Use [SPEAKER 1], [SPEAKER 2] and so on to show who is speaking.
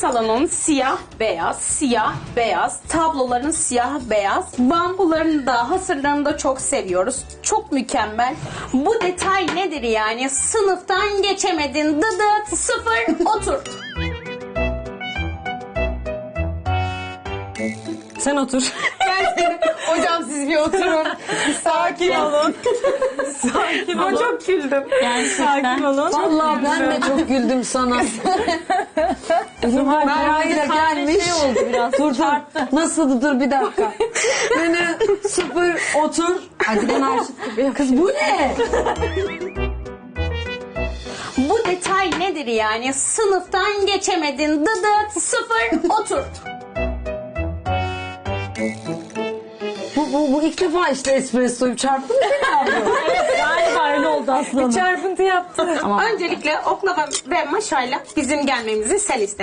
[SPEAKER 1] salonun siyah beyaz, tabloların siyah beyaz, bambuların da hasırlarını da çok seviyoruz. Çok mükemmel. Bu detay nedir yani? Sınıftan geçemedin, dıdıt, sıfır, otur.
[SPEAKER 2] Sen otur.
[SPEAKER 3] Hocam siz bir oturun.
[SPEAKER 2] Sakin olun. Sakin olun.
[SPEAKER 1] Çok güldüm.
[SPEAKER 2] Gerçekten. Sakin olun.
[SPEAKER 3] Vallahi ben de çok güldüm sana. Merve'yle gelmiş.
[SPEAKER 2] Şey oldu biraz.
[SPEAKER 3] Dur. Nasıldı? Dur bir dakika. Beni sıfır
[SPEAKER 2] Otur.
[SPEAKER 3] Hadi ben aşık gibi. Kız bu ne?
[SPEAKER 1] Bu detay nedir yani? Sınıftan geçemedin, dıdıt, sıfır, otur.
[SPEAKER 3] Bu ilk defa işte espressoyu çarptı mı seni abi?
[SPEAKER 2] Evet, galiba öyle oldu aslında.
[SPEAKER 1] Çarpıntı yaptı. Öncelikle oklava ve maşayla bizim gelmemizi sen iste.